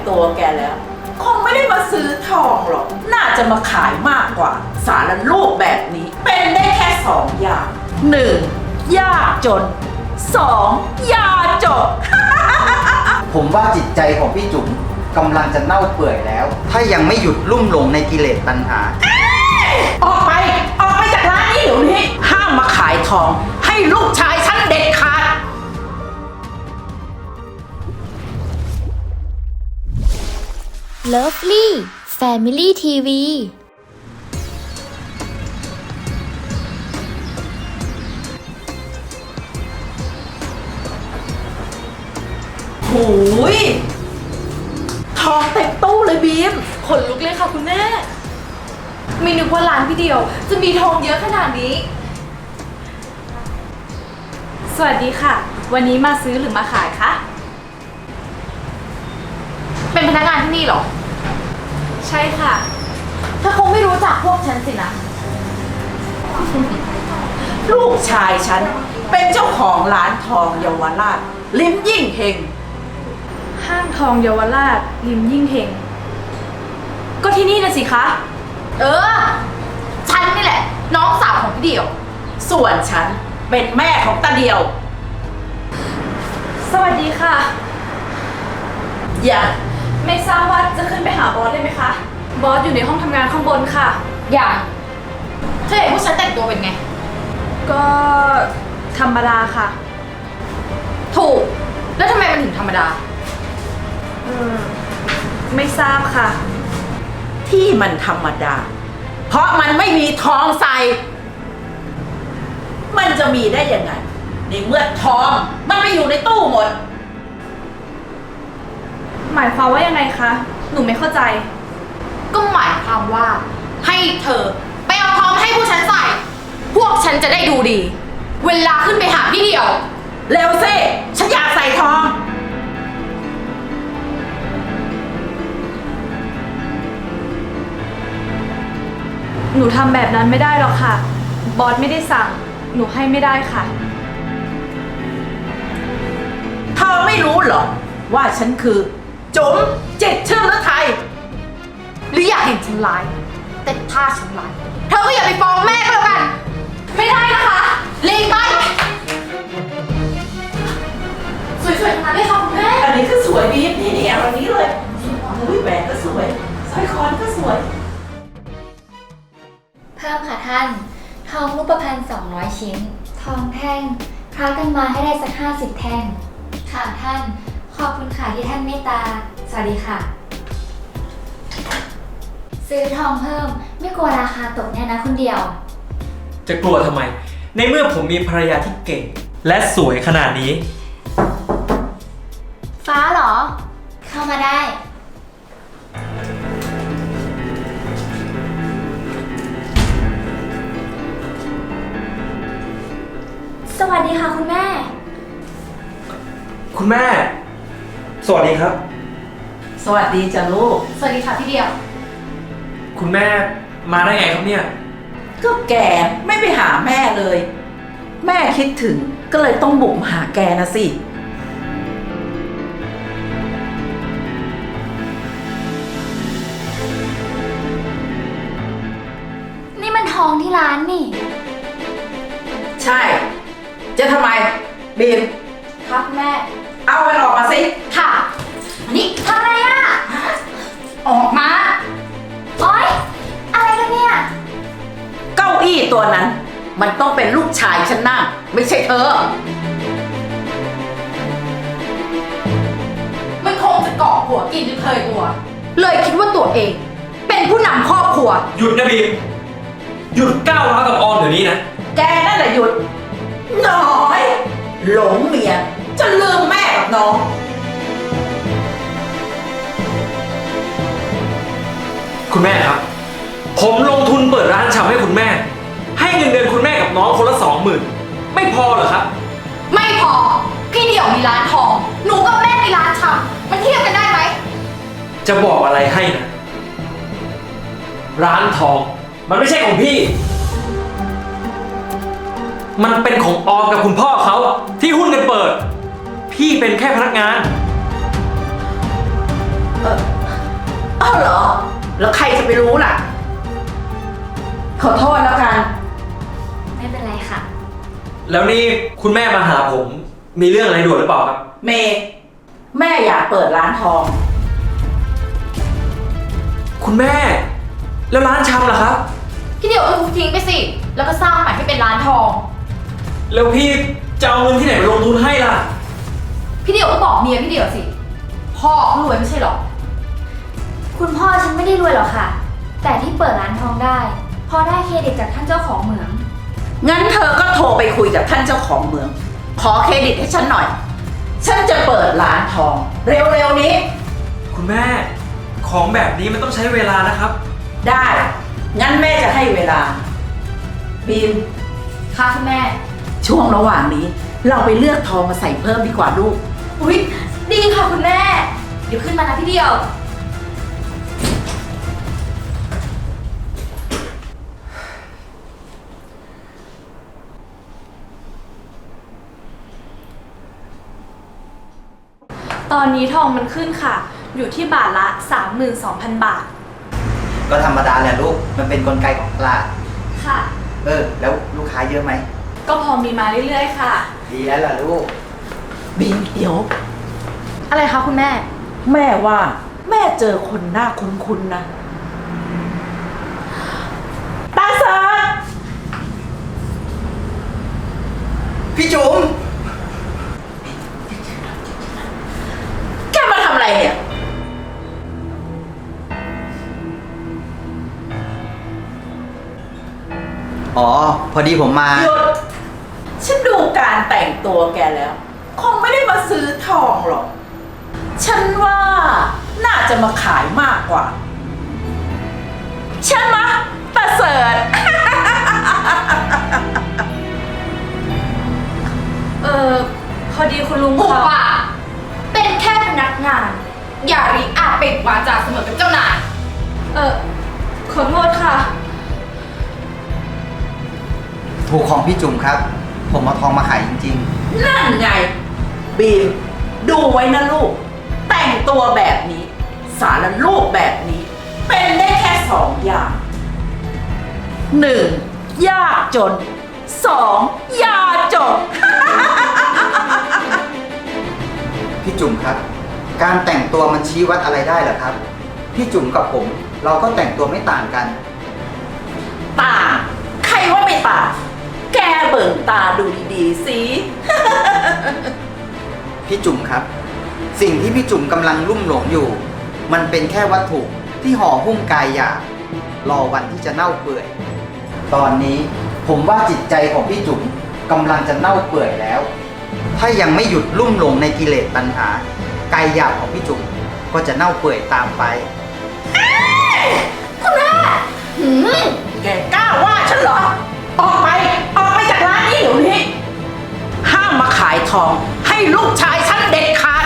ตัวแกแล้วคงไม่ได้มาซื้อทองหรอกน่าจะมาขายมากกว่าสารรูปแบบนี้เป็นได้แค่สองอย่างหนึ่งยากจนสองยาจบผมว่าจิตใจของพี่จุ๋มกำลังจะเน่าเปื่อยแล้ว ถ้ายังไม่หยุดลุ่มหลงในกิเลสตัณหาออกไปจากร้านนี้เดี๋ยวนี้ห้ามมาขายทองให้ลูกชายฉันเด็ดขาด Lovely Family TV หูยทองเต็มตู้เลยบีมขนลุกเลยค่ะคุณแม่ไม่นึกว่าร้านพี่เดียวจะมีทองเยอะขนาดนี้ สวัสดีค่ะ วันนี้มาซื้อหรือมาขายคะเป็นพนักงานที่นี่เหรอ ใช่ค่ะเธอคงไม่รู้จักพวกฉันสินะลูกชายฉันเป็นเจ้าของร้านทองเยาวราชลิ้มยิ่งเฮงห้างทองเยาวราชริมยิ่งเฮงก็ที่นี่นะสิคะฉันนี่แหละ น้องสาวของพี่เดียวส่วนฉันเป็นแม่ของตาเดียวสวัสดีค่ะอย่าไม่ทราบว่าจะขึ้นไปหาบอสได้ไหมคะ บอสอยู่ในห้องทำงานข้างบนค่ะ อย่างเธอเห็นผู้ฉันแต่งตัวเป็นไง ก็ธรรมดาค่ะ ถูก แล้วทำไมมันถึงธรรมดา ไม่ทราบค่ะที่มันธรรมดา เพราะมันไม่มีทองใส่ มันจะมีได้ยังไงในเมื่อทองมันไปอยู่ในตู้หมดหมายความว่ายังไงคะ หนูไม่เข้าใจก็หมายความว่าให้เธอไปเอาทองให้ผู้ฉันใส่ พวกฉันจะได้ดูดี เวลาขึ้นไปหาพี่เดียวเร็วสิฉันอยากใส่ทองหนูทำแบบนั้นไม่ได้หรอกค่ะ บอสไม่ได้สั่ง หนูให้ไม่ได้ค่ะเธอไม่รู้เหรอว่าฉันคือจุ๋มจิตรชื่อฤทัยหรืออยากเห็นฉันร้าย แต่ถ้าฉันร้ายเธอก็อย่าไปฟ้องแม่ก็แล้วกัน ไม่ได้นะคะลีกไปสวยๆทั้งนั้นเลยค่ะคุณแม่อันนี้ก็สวยบีบนี่เอาอันนี้เลยอุ้ยแหวนก็สวยสร้อยคอนี่ก็สวยเพิ่มค่ะท่าน ทองรูปพรรณ200 ชิ้น ทองแท่งคล้ากันมาให้ได้สัก50 แท่ง ค่ะท่าน ขอบคุณค่ะที่ท่านเมตตา สวัสดีค่ะ ซื้อทองเพิ่มไม่กลัวราคาตกแน่นะคุณเดียวจะกลัวทำไม ในเมื่อผมมีภรรยาที่เก่ง และสวยขนาดนี้ฟ้าเหรอ เข้ามาได้ สวัสดีค่ะคุณแม่คุณแม่ สวัสดีครับสวัสดีจ้ะลูกสวัสดีค่ะพี่เดียวคุณแม่มาได้ไงครับเนี่ยก็แกไม่ไปหาแม่เลย แม่คิดถึงก็เลยต้องบุกมาหาแกนะสินี่มันทองที่ร้านนี่ใช่ จะทำไมบีมครับแม่เอามันออกมาสิค่ะนี่ทำอะไรอ่ะ ออกมาโอ๊ย อะไรกันเนี่ยเก้าอี้ตัวนั้น มันต้องเป็นลูกชายฉันนั่งไม่ใช่เธอมันคงจะเกาะหัวกินจนเคยตัว เลยคิดว่าตัวเอง เป็นผู้นำครอบครัวหยุดนะบีม หยุดก้าวร้าวกับออมเดี๋ยวนี้นะแกนั่นแหละหยุดน้อย หลงเมียจะลืมแม่กับน้องคุณแม่ครับ ผมลงทุนเปิดร้านชำให้คุณแม่ ให้เงินเดือนคุณแม่กับน้องคนละ20,000ไม่พอเหรอครับไม่พอ พี่เดี่ยวมีร้านทอง หนูกับแม่มีร้านชำมันเทียบกันได้ไหมจะบอกอะไรให้นะ ร้านทอง มันไม่ใช่ของพี่ มันเป็นของออมกับคุณพ่อเขาที่หุ้นกันเปิด พี่เป็นแค่พนักงานเออาวเหรอ แล้วใครจะไปรู้ล่ะ ขอโทษแล้วกันไม่เป็นไรค่ะแล้วนี่คุณแม่มาหาผมมีเรื่องอะไรด่วนหรือเปล่าครับเมย์แม่อยากเปิดร้านทองคุณแม่ แล้วร้านชำล่ะครับพี่เดี่ยวก็ทุบทิ้งไปสิ แล้วก็สร้างใหม่ให้เป็นร้านทองแล้วพี่จะเอาเงินที่ไหนมาลงทุนให้ล่ะพี่เดี่ยวก็บอกเมียพี่เดี่ยวสิ พ่อรวยไม่ใช่หรอคุณพ่อฉันไม่ได้รวยหรอกค่ะ แต่ที่เปิดร้านทองได้เพราะได้เครดิตจากท่านเจ้าของเหมืองงั้นเธอก็โทรไปคุยกับท่านเจ้าของเมือง ขอเครดิตให้ฉันหน่อย ฉันจะเปิดร้านทอง เร็วๆนี้คุณแม่ ของแบบนี้มันต้องใช้เวลานะครับได้ งั้นแม่จะให้เวลา บีมค่ะคุณแม่ช่วงระหว่างนี้ เราไปเลือกทองมาใส่เพิ่มดีกว่าลูกอุ๊ย ดีค่ะคุณแม่ เดี๋ยวขึ้นมานะพี่เดี่ยวตอนนี้ทองมันขึ้นค่ะ อยู่ที่บาทละ 32,000 บาทก็ธรรมดาแหละลูก มันเป็นกลไกของตลาดค่ะแล้วลูกค้าเยอะไหมก็พอมีมาเรื่อยๆค่ะดีแล้วล่ะลูกบีมเดี๋ยวอะไรคะคุณแม่แม่ว่าแม่เจอคนหน้าคุ้นๆนะ ตาเสิร์ชพี่จุ๋มแกมาทำอะไรเนี่ยอ๋อ พอดีผมมาหยุด ฉันดูการแต่งตัวแกแล้ว คงไม่ได้มาซื้อทองหรอก ฉันว่าน่าจะมาขายมากกว่า ใช่ไหมะประเสริฐพอดีคุณลุงผูกค่ะว่าเป็นแค่พนักงาน อย่าริอาจเป็นวาจาเสมอกับเจ้านายขอโทษค่ะถูกของพี่จุ๋มครับ ผมเอาทองมาขายจริงนั่นไง บีม ดูไว้นะลูก แต่งตัวแบบนี้ สารลูกแบบนี้ เป็นได้แค่สองอย่างหนึ่งยากจนสองยาจนๆ พี่จุ๋มครับ การแต่งตัวมันชี้วัดอะไรได้เหรอครับ พี่จุ๋มกับผม เราก็แต่งตัวไม่ต่างกันต่างใครว่าไม่ต่างแกเบิ่งตาดูดีๆสิพี่จุ๋มครับ สิ่งที่พี่จุ๋มกำลังลุ่มหลงอยู่ มันเป็นแค่วัตถุที่ห่อหุ้มกายหยาบรอวันที่จะเน่าเปื่อย ตอนนี้ผมว่าจิตใจของพี่จุ๋มกำลังจะเน่าเปื่อยแล้ว ถ้ายังไม่หยุดลุ่มหลงในกิเลสตัณหากายหยาบของพี่จุ๋มก็จะเน่าเปื่อยตามไปแกกล้าว่าฉันเหรอ ออกไป ออกไปจากร้านนี้เดี๋ยวนี้ ห้ามมาขายทองให้ลูกชายฉันเด็ดขาด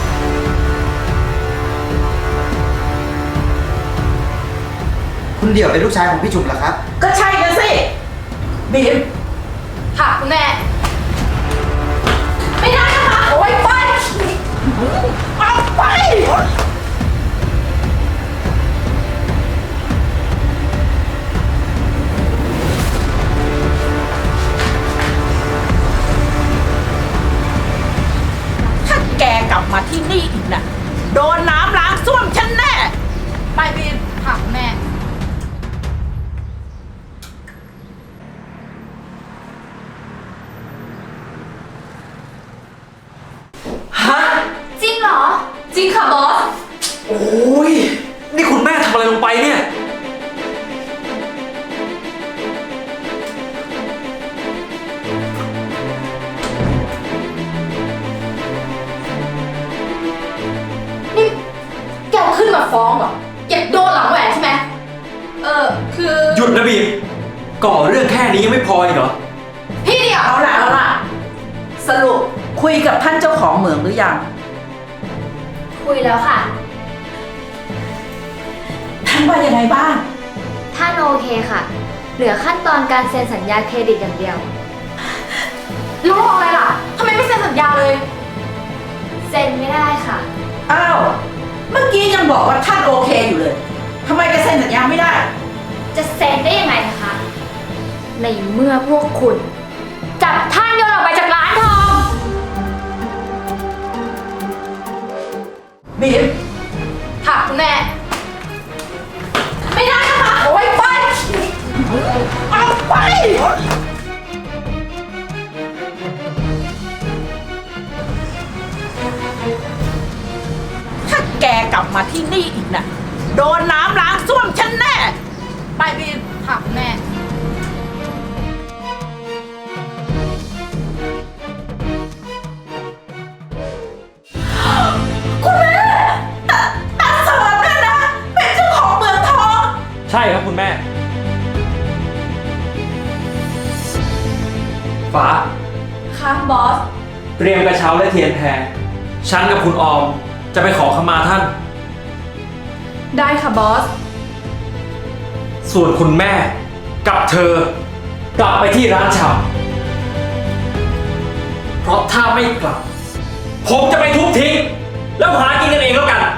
คุณเดี่ยวเป็นลูกชายของพี่จุ๋มเหรอครับก็ใช่กันสิ บีมค่ะคุณแม่ไม่ได้นะคะโอ้ยไปเอาไป ถ้าแกกลับมาที่นี่อีกนะโดนน้ำล้างส้วมฉันแน่ไปบีมค่ะคุณแม่ฮะจริงเหรอ จริงค่ะบอสโอ้ย นี่คุณแม่ทำอะไรลงไปเนี่ยนี่แกขึ้นมาฟ้องเหรอ อยากโดนหลังแหวนใช่ไหมคือหยุดนะบีม ก่อเรื่องแค่นี้ยังไม่พออีกเหรอพี่เดียวเอาล่ะ สรุปคุยกับท่านเจ้าของเหมืองหรือยังคุยแล้วค่ะท่านว่ายังไงบ้างท่านโอเคค่ะ เหลือขั้นตอนการเซ็นสัญญาเครดิตอย่างเดียวรู้อะไรล่ะ ทำไมไม่เซ็นสัญญาเลยเซ็นไม่ได้ค่ะอ้าว เมื่อกี้ยังบอกว่าท่านโอเคอยู่เลยเซ็นสัญญาไม่ได้จะเซ็นได้ยังไงล่ะคะ ในเมื่อพวกคุณ จับท่านโยนออกไปจากร้านทองบีมค่ะคุณแม่ไม่ได้นะคะโอ้ยไปเอาไป ถ้าแกกลับมาที่นี่อีกนะโดนน้ำล้างส้วมฉันแน่ ไปบีมค่ะคุณแม่คุณแม่ตาเสริมเนี่ยนะ เป็นเจ้าของเมืองทองใช่ครับคุณแม่ ฟ้าค่ะบอสเตรียมกระเช้าและเทียนแพรฉันกับคุณออมจะไปขอขมาท่านได้ค่ะบอสส่วนคุณแม่กับเธอกลับไปที่ร้านชำเพราะถ้าไม่กลับ ผมจะไปทุบทิ้ง แล้วหากินกันเองแล้วกัน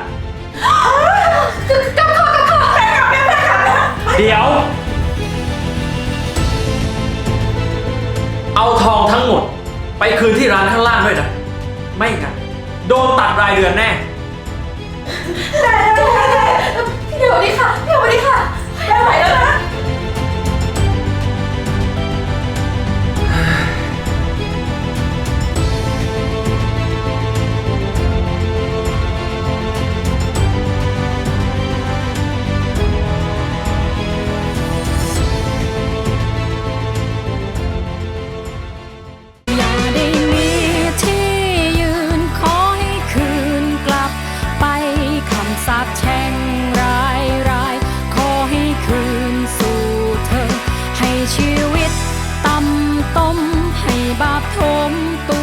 เดี๋ยว เอาทองทั้งหมด ไปคืนที่ร้านข้างล่างด้วยนะ ไม่งั้นโดนตัดรายเดือนแน่เดี๋ยวนี้ค่ะเดี๋ยวนี้ค่ะไม่ไหวแล้วนะอย่าได้มีที่ยืนขอให้คืนกลับไปคำสาปแช่งร้ายขอให้คืนสู่เธอ ให้ชีวิตต่ำต้มให้บาปทมตัว